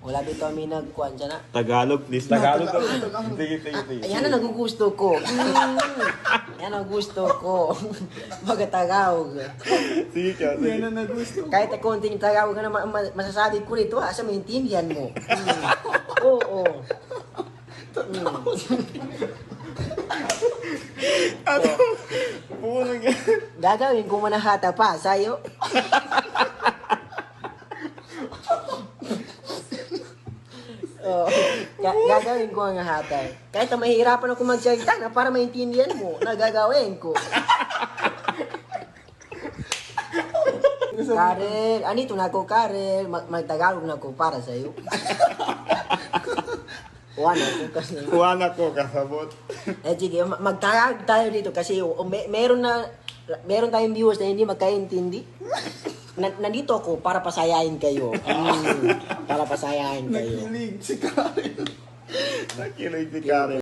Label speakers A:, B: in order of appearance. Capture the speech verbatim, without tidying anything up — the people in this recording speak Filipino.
A: Wala dito kami nagkuhan siya na.
B: Tagalog, please. Tagalog. Sige, sige, sige.
A: Ayan na nagugusto ko. Mm. Yan ang gusto ko. Pagkatagawag.
B: Sige ka, sige.
C: Yan ang nagusto.
A: Kahit na konting tagawag na ma- ma- masasabi ko rito, asa maintindihan mo. Mm. Oo. Mm.
B: Ano? Puno nga.
A: Gagawin ko manahata pa sa'yo. Oh, ga- gagawin ko ang hatay. Kahit na mahihirapan ako magsalita na para maintindihan mo, nagagawin ko. Karel, anito na ako, Karel. Mag magtagalog na ako para sa'yo. Wala ko kasi.
B: Kuha ko kasabot.
A: Eh, sige, ma- magtagalog tayo dito kasi o, may, meron na, meron tayong viewers na hindi magkaintindi. Na, nandito ako para pasayahin kayo. Mm, para pasayahin kayo.
C: Nakilig si Karen.
B: Nakilig si Karen.